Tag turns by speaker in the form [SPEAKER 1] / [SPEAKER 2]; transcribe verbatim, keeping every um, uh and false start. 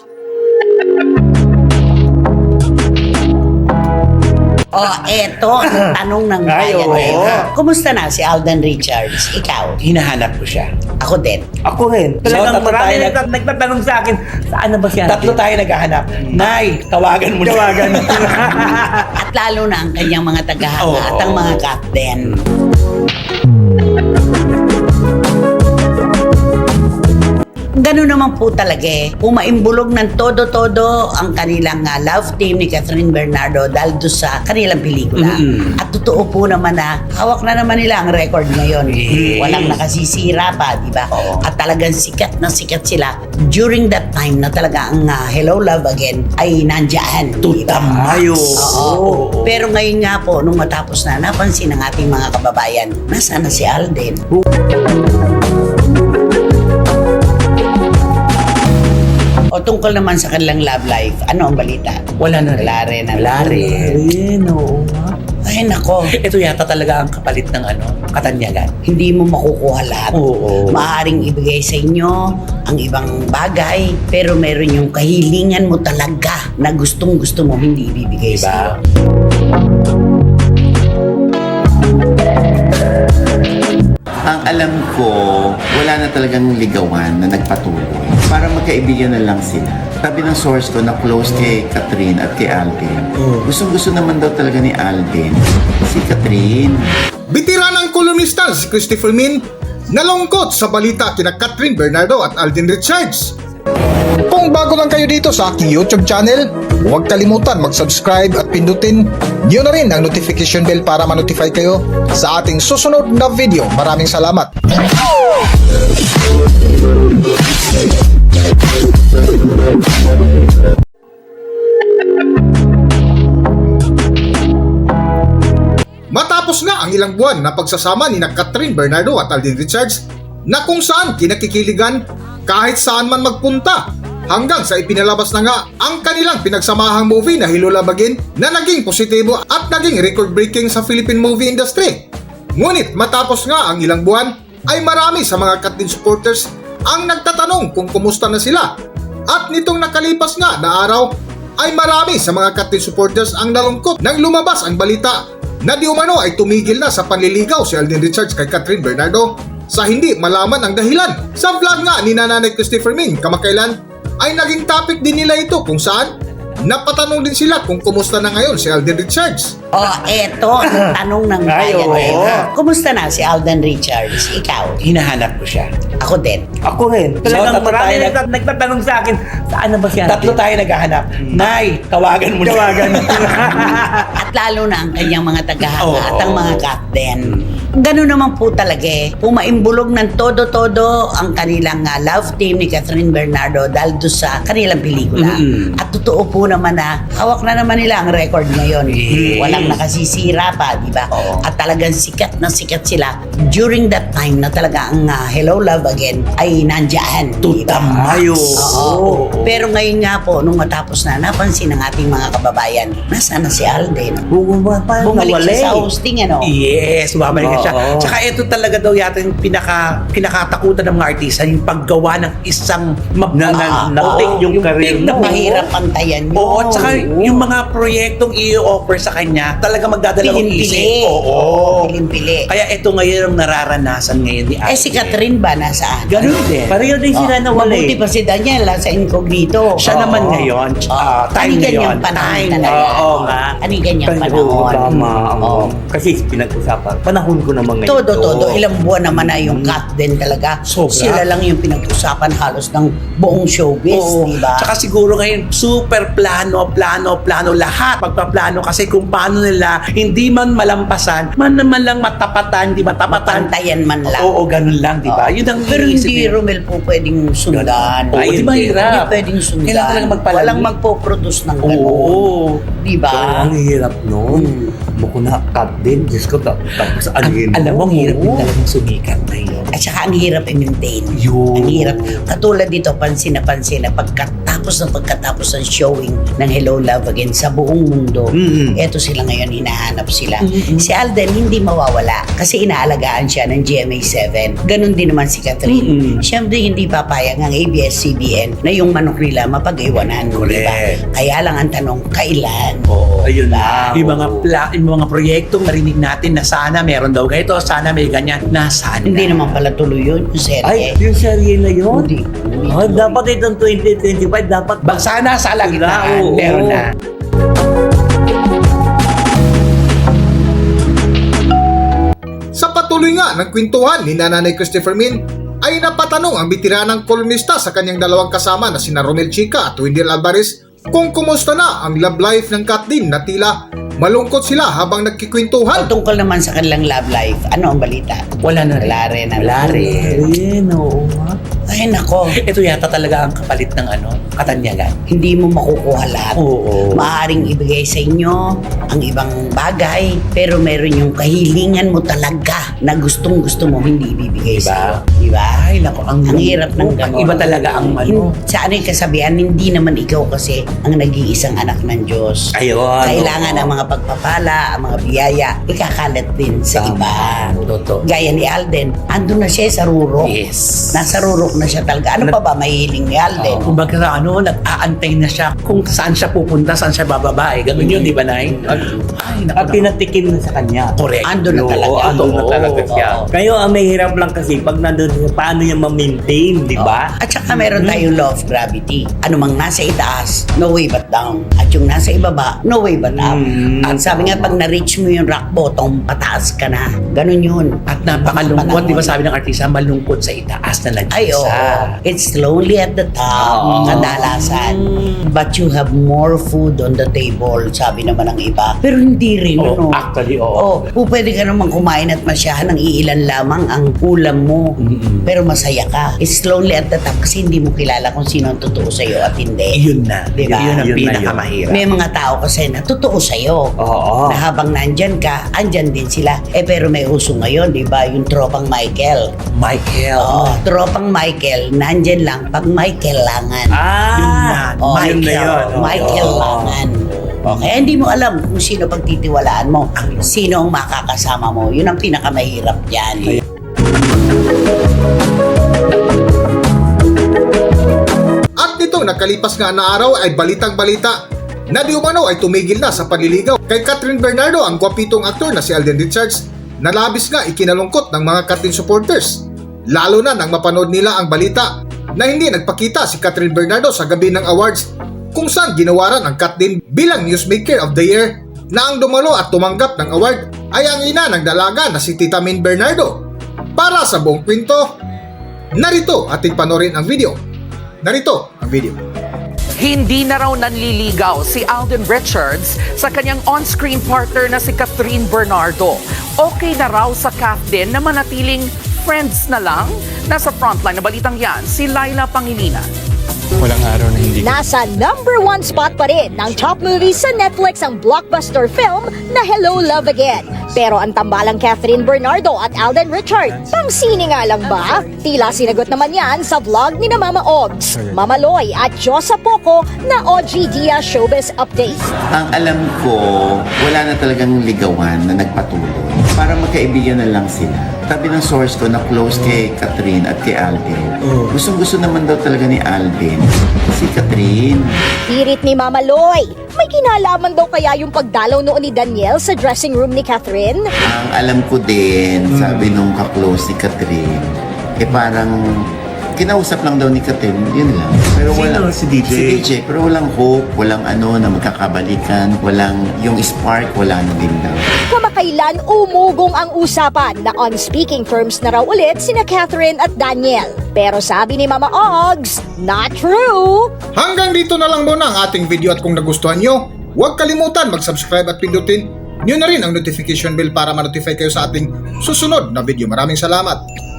[SPEAKER 1] Oh, eto ang tanong ng
[SPEAKER 2] Ay,
[SPEAKER 1] bayan
[SPEAKER 2] oo.
[SPEAKER 1] ngayon. Kumusta na si Alden Richards? Ikaw?
[SPEAKER 2] Hinahanap ko siya.
[SPEAKER 1] Ako din.
[SPEAKER 3] Ako rin.
[SPEAKER 2] So,
[SPEAKER 3] Talagang
[SPEAKER 2] tatlo
[SPEAKER 3] marami
[SPEAKER 2] tayo nag-
[SPEAKER 3] nagtat- nagtatanong sa akin, saan na ba siya?
[SPEAKER 2] Tatlo tayo naghahanap. Nay, tawagan mo na.
[SPEAKER 3] Tawagan.
[SPEAKER 1] At lalo na ang kanyang mga tagahanga
[SPEAKER 2] Oo.
[SPEAKER 1] at ang mga captain. Ganun naman po talaga eh. Umaimbulog ng todo-todo ang kanilang uh, love team ni Catherine Bernardo dahil doon sa kanilang pelikula.
[SPEAKER 2] Mm-mm.
[SPEAKER 1] At totoo po naman na hawak na naman nila ang record ngayon.
[SPEAKER 2] Yes.
[SPEAKER 1] Walang nakasisira pa, di ba?
[SPEAKER 2] Oo.
[SPEAKER 1] At talagang sikat na sikat sila during that time na talaga ang uh, Hello Love Again ay nandyan. di ba?
[SPEAKER 2] Tutamayo.
[SPEAKER 1] Oo. Pero ngayon nga po, nung matapos na, napansin ng ating mga kababayan, nasaan na si Alden? O tungkol naman sa kanilang love life, ano ang balita?
[SPEAKER 2] Wala na rin.
[SPEAKER 1] Wala rin.
[SPEAKER 2] Wala rin.
[SPEAKER 3] Ayun, oo nga.
[SPEAKER 1] Ay nako,
[SPEAKER 2] Ito yata talaga ang kapalit ng ano, katanyagan.
[SPEAKER 1] hindi mo makukuha lahat.
[SPEAKER 2] Oo.
[SPEAKER 1] Maaring ibigay sa inyo ang ibang bagay, pero meron yung kahilingan mo talaga na gustong gusto mo hindi ibibigay sa iyo.
[SPEAKER 2] Diba?
[SPEAKER 4] Ang alam ko, wala na talagang ligawan na nagpatuloy. Para magkaibigan na lang sila. Sabi ng source ko na close kay Catherine at kay Alden. Gustong-gusto naman daw talaga ni Alden si Catherine.
[SPEAKER 5] Bitiranang kolumnista si Christopher Min nalungkot sa balita kina Catherine Bernardo at Alden Richards. Kung bago lang kayo dito sa aking YouTube channel, huwag kalimutan mag-subscribe at pindutin niyo na rin ang notification bell para ma-notify kayo sa ating susunod na video. Maraming salamat! Matapos na ang ilang buwan na pagsasama ni na Catherine Bernardo at Alden Richards na kung saan kinakikiligan kahit saan man magpunta hanggang sa ipinalabas na nga ang kanilang pinagsamahang movie na Hello Love Again na naging positibo at naging record-breaking sa Philippine movie industry. Ngunit matapos nga ang ilang buwan ay marami sa mga Catherine supporters ang nagtatanong kung kumusta na sila. At nitong nakalipas nga na araw ay marami sa mga Catherine supporters ang nalungkot nang lumabas ang balita na di umano ay tumigil na sa panliligaw si Alden Richards kay Catherine Bernardo sa hindi malaman ang dahilan. Sa vlog nga ni Nanay Christopher Min kamakailan ay naging topic din nila ito kung saan napatanong din sila kung kumusta na ngayon si Alden Richards.
[SPEAKER 1] Oh, eto ang tanong ng
[SPEAKER 2] Ay,
[SPEAKER 1] bayan
[SPEAKER 2] oo.
[SPEAKER 1] ngayon. Kumusta na si Alden Richards? Ikaw?
[SPEAKER 2] Hinahanap ko siya.
[SPEAKER 1] Ako din.
[SPEAKER 3] Ako rin. Talagang
[SPEAKER 2] tatlo
[SPEAKER 3] marami
[SPEAKER 2] tayo nag-
[SPEAKER 3] nagtat- nagtatanong sa akin, saan na ba siya?
[SPEAKER 2] Tatlo tayo naghahanap. Nay, tawagan mo na.
[SPEAKER 3] Tawagan.
[SPEAKER 1] At lalo na ang kanyang mga tagahanga
[SPEAKER 2] Oo.
[SPEAKER 1] at ang mga captain. Ganun naman po talaga eh. Umaimbulog ng todo-todo ang kanilang uh, love team ni Catherine Bernardo dahil doon sa kanilang pelikula.
[SPEAKER 2] Mm-mm.
[SPEAKER 1] At totoo po naman na hawak na naman nila ang record ngayon.
[SPEAKER 2] Yes.
[SPEAKER 1] Walang nakasisira pa, di ba?
[SPEAKER 2] Oo.
[SPEAKER 1] At talagang sikat na sikat sila during that time na talaga ang uh, Hello Love Again ay nandyan. di ba?
[SPEAKER 2] Tutamayo.
[SPEAKER 1] Oo. Pero ngayon nga po, nung matapos na, napansin ng ating mga kababayan, nasaan na si Alden?
[SPEAKER 3] Bumaba pa,
[SPEAKER 1] Bumalik
[SPEAKER 3] nawala
[SPEAKER 1] siya sa
[SPEAKER 3] eh.
[SPEAKER 1] hosting, ano?
[SPEAKER 2] Yes, bumalik na siya.
[SPEAKER 3] Oo.
[SPEAKER 2] Tsaka ito talaga daw yata yung pinaka, pinakatakutan ng mga artista, yung paggawa ng isang mab-
[SPEAKER 3] Na- na-
[SPEAKER 2] Ah,
[SPEAKER 3] na-take
[SPEAKER 2] oo,
[SPEAKER 3] yung career
[SPEAKER 2] big na
[SPEAKER 3] mo.
[SPEAKER 1] Mahirap pantayan yun.
[SPEAKER 2] Oo, tsaka yung mga proyektong i-offer sa kanya, talaga magdadalawang
[SPEAKER 1] Pilimpili.
[SPEAKER 2] isip. Oo.
[SPEAKER 1] Pilimpili.
[SPEAKER 2] Kaya ito ngayon ang nararanasan ngayon ni
[SPEAKER 1] Eh si Catherine ba nasaan?
[SPEAKER 2] Ganun din.
[SPEAKER 3] Pareho din sila
[SPEAKER 1] Oh,
[SPEAKER 3] nawala
[SPEAKER 1] Mabuti
[SPEAKER 3] eh.
[SPEAKER 1] pa si Daniel sa incognito.
[SPEAKER 2] Siya
[SPEAKER 1] Oo.
[SPEAKER 2] naman ngayon, ah, time
[SPEAKER 1] Ani ganyang
[SPEAKER 2] ngayon.
[SPEAKER 1] panahon
[SPEAKER 2] Time.
[SPEAKER 1] talaga.
[SPEAKER 3] Oo nga.
[SPEAKER 1] Ani ganyang
[SPEAKER 3] Pero
[SPEAKER 1] panahon.
[SPEAKER 3] tama.
[SPEAKER 1] Oo.
[SPEAKER 3] Kasi pinag-usapan. Panahon ko naman ngayon.
[SPEAKER 1] Todo, todo.
[SPEAKER 2] Oo.
[SPEAKER 1] Ilang buwan naman na yung cut din talaga.
[SPEAKER 2] Sobra.
[SPEAKER 1] Sila lang yung pinag-usapan halos ng buong showbiz,
[SPEAKER 2] Oo.
[SPEAKER 1] di ba?
[SPEAKER 2] Tsaka siguro ngayon, super plano, plano, plano, lahat. Pagpaplano kasi kung paano nila hindi man malampasan, man naman lang matapatan, di matapatan.
[SPEAKER 1] Pantayan man lang.
[SPEAKER 2] Oo, ganun lang, di ba?
[SPEAKER 1] Oo.
[SPEAKER 2] Yun ang
[SPEAKER 1] Pero
[SPEAKER 2] iniisip
[SPEAKER 1] hindi,
[SPEAKER 2] nila.
[SPEAKER 1] Romel, po pwedeng sundan.
[SPEAKER 2] Oo, di ba
[SPEAKER 1] Hindi
[SPEAKER 2] hirap?
[SPEAKER 1] pwedeng sundan.
[SPEAKER 2] Kailangan talaga magpalagi.
[SPEAKER 1] Walang magpo-produce ng gano'n.
[SPEAKER 2] Oo.
[SPEAKER 1] Di ba?
[SPEAKER 3] Ang hirap nun.
[SPEAKER 1] Hmm.
[SPEAKER 3] Takbo ko na, cut din. Diyos ko, ta- tapos ano yun?
[SPEAKER 2] Alam mo, ang hirap din
[SPEAKER 3] Oo.
[SPEAKER 2] talagang sumikat na yun.
[SPEAKER 1] At saka ang hirap i-maintain.
[SPEAKER 2] Yun.
[SPEAKER 1] Ang hirap. Katulad dito, pansin na pansin na pagkatapos ng pagkatapos ng showing ng Hello Love Again sa buong mundo,
[SPEAKER 3] Mm-mm.
[SPEAKER 1] eto sila ngayon, hinahanap sila.
[SPEAKER 2] Mm-mm.
[SPEAKER 1] Si Alden hindi mawawala kasi inaalagaan siya ng G M A seven. Ganon din naman si Catherine.
[SPEAKER 2] Mm-mm.
[SPEAKER 1] Siyempre hindi papayag ang A B S C B N na yung manok nila mapag-iwanan. Diba? Kaya lang ang tanong, kailan?
[SPEAKER 2] Oo.
[SPEAKER 3] Ayun
[SPEAKER 1] Diba?
[SPEAKER 3] na.
[SPEAKER 2] Yung mga pla- yung mga proyektong narinig natin na sana meron daw ganito, sana may ganyan, nasaan
[SPEAKER 1] Hindi
[SPEAKER 2] na?
[SPEAKER 1] naman pala tuloy yun, yung
[SPEAKER 3] Ay,
[SPEAKER 1] serye.
[SPEAKER 3] yung serye na yun?
[SPEAKER 1] Hindi. Hindi
[SPEAKER 3] Ah,
[SPEAKER 1] tuloy.
[SPEAKER 3] dapat itong twenty twenty-five, dapat
[SPEAKER 2] Ba, sana sa alagitaan,
[SPEAKER 3] Oo.
[SPEAKER 2] meron na.
[SPEAKER 5] Sa patuloy nga ng kwentuhan ni Nanay Christopher Min, ay napatanong ang bitiranang kolumnista sa kanyang dalawang kasama na sina Romel Chica at Wendell Alvarez kung kumusta na ang love life ng Kathleen na tila malungkot sila habang nagkikwentuhan.
[SPEAKER 1] Tungkol naman sa kanilang love life, ano ang balita?
[SPEAKER 2] Wala na rin.
[SPEAKER 1] Wala rin.
[SPEAKER 2] Wala rin.
[SPEAKER 3] Ayun, oo nga.
[SPEAKER 1] Ay nako,
[SPEAKER 2] Ito yata talaga ang kapalit ng ano, katanyagan.
[SPEAKER 1] hindi mo makukuha lahat.
[SPEAKER 2] Oo.
[SPEAKER 1] Maaring ibigay sa inyo ang ibang bagay, pero meron yung kahilingan mo talaga na gustong gusto mo hindi ibibigay
[SPEAKER 2] Diba?
[SPEAKER 1] sa iyo. Diba?
[SPEAKER 2] Ay, naku, ang,
[SPEAKER 1] Ang hirap ng
[SPEAKER 2] Oo,
[SPEAKER 1] ganon.
[SPEAKER 2] Iba talaga ang ano.
[SPEAKER 1] Hin- Sa ano yung kasabihan, hindi naman ikaw kasi ang nag-iisang anak ng Diyos.
[SPEAKER 3] Ayun.
[SPEAKER 1] Kailangan ang mga pagpapala, ang mga biyaya, ikakalat din sa
[SPEAKER 2] Tama.
[SPEAKER 1] iba.
[SPEAKER 2] Totoo.
[SPEAKER 1] Gaya ni Alden, andun na siya sa rurok.
[SPEAKER 2] Yes.
[SPEAKER 1] Nasa rurok na siya talaga. Ano pa ba mahihiling ni Alden?
[SPEAKER 2] Kung baga sa ano, nag-aantay na siya kung saan siya pupunta, saan siya bababa. Eh. Ganun yun, di ba, Nay? Ay, naku,
[SPEAKER 3] At
[SPEAKER 2] naku.
[SPEAKER 3] pinatikim na sa kanya.
[SPEAKER 2] Correct.
[SPEAKER 1] Andun na
[SPEAKER 3] Oo,
[SPEAKER 1] talaga.
[SPEAKER 3] andun na
[SPEAKER 2] Oo,
[SPEAKER 3] talaga siya.
[SPEAKER 1] oo.
[SPEAKER 3] Kayo, ang may hirap lang kasi pag nandun siya, paano niya ma-maintain, di ba?
[SPEAKER 1] At saka meron tayong law of gravity. Ano mang nasa itaas, no way but down. At yung nasa ibaba, no way but up.
[SPEAKER 3] Mm.
[SPEAKER 1] At sabi nga, pag na-reach mo yung rock bottom, pataas ka na. Ganun yun.
[SPEAKER 2] At napakalungkot,
[SPEAKER 1] Panahon.
[SPEAKER 2] di ba sabi ng artista, malungkot sa itaas na nag
[SPEAKER 1] Ay, oo. It's lonely at the top,
[SPEAKER 3] Oo.
[SPEAKER 1] kadalasan. But you have more food on the table, sabi naman ng iba. Pero hindi rin,
[SPEAKER 2] Oh,
[SPEAKER 1] ano?
[SPEAKER 2] actually, oo.
[SPEAKER 1] Oh, kung pwede ka naman kumain at masyahan ng iilan lamang ang ulam mo.
[SPEAKER 2] Mm-mm.
[SPEAKER 1] Pero masaya ka. It's lonely at the top kasi hindi mo kilala kung sino ang totoo sa'yo at hindi.
[SPEAKER 2] Yun na.
[SPEAKER 1] Diba?
[SPEAKER 2] Yun ang
[SPEAKER 3] Yun na
[SPEAKER 2] pinakamahirap.
[SPEAKER 1] May mga tao kasi na totoo sa'yo.
[SPEAKER 3] Oo.
[SPEAKER 1] Na habang nandyan ka, andyan din sila. Eh pero may uso ngayon, di ba? Yung tropang Michael.
[SPEAKER 2] Michael.
[SPEAKER 1] Oo, tropang Michael, nandyan lang pag may kailangan.
[SPEAKER 3] Ah,
[SPEAKER 2] Yun na.
[SPEAKER 1] Oh,
[SPEAKER 3] yun na yun. Oo.
[SPEAKER 1] may kailangan. Okay, hindi mo alam kung sino pagtitiwalaan mo, sino ang makakasama mo. Yun ang pinakamahirap dyan.
[SPEAKER 5] At nitong nakalipas nga na araw ay balitang balita na di umano ay tumigil na sa panliligaw kay Catherine Bernardo ang gwapitong aktor na si Alden Richards na labis nga ikinalungkot ng mga Catherine supporters. Lalo na nang mapanood nila ang balita na hindi nagpakita si Catherine Bernardo sa gabi ng awards kung saan ginawaran ang Catherine bilang Newsmaker of the Year na ang dumalo at tumanggap ng award ay ang ina ng dalaga na si Tita Min Bernardo. Para sa buong kwento, narito ating panorin ang video. Narito ang video.
[SPEAKER 6] Hindi na raw nanliligaw si Alden Richards sa kanyang on-screen partner na si Catherine Bernardo. Okay na raw sa Catherine na manatiling friends na lang. Nasa frontline na balitang yan, si Laila Pangilinan.
[SPEAKER 7] Walang araw na hindi
[SPEAKER 8] Nasa number one spot pa rin ng top movies sa Netflix ang blockbuster film na Hello Love Again. Pero ang tambalang Catherine Bernardo at Alden Richards, pang sine nga lang ba? Tila sinagot naman yan sa vlog ni na Mama Ogs, Mama Loy at Josa Poco na O G Dia Showbiz Update.
[SPEAKER 4] Ang alam ko, wala na talagang ligawan na nagpatuloy. Para magkaibigan na lang sila. Sabi ng source ko na close kay Catherine at kay Alden. Gustong gusto naman daw talaga ni Alden si Catherine.
[SPEAKER 8] Pirit ni Mama Loy, may kinalaman daw kaya yung pagdalaw noon ni Daniel sa dressing room ni Catherine?
[SPEAKER 4] Ang alam ko din, sabi nung ka-close ni Catherine, eh parang kinausap lang daw ni Catherine, yun lang. Pero
[SPEAKER 3] Sino?
[SPEAKER 4] walang,
[SPEAKER 3] Si D J?
[SPEAKER 4] Si D J, pero walang hope, walang ano na magkakabalikan, walang yung spark, wala na din daw.
[SPEAKER 8] Kamakailan umugong ang usapan na on speaking terms na raw ulit sina Catherine at Daniel. Pero sabi ni Mama Ogs, not true!
[SPEAKER 5] Hanggang dito na lang muna ang ating video at kung nagustuhan nyo, huwag kalimutan mag-subscribe at pindutin nyo na rin ang notification bell para ma-notify kayo sa ating susunod na video. Maraming salamat!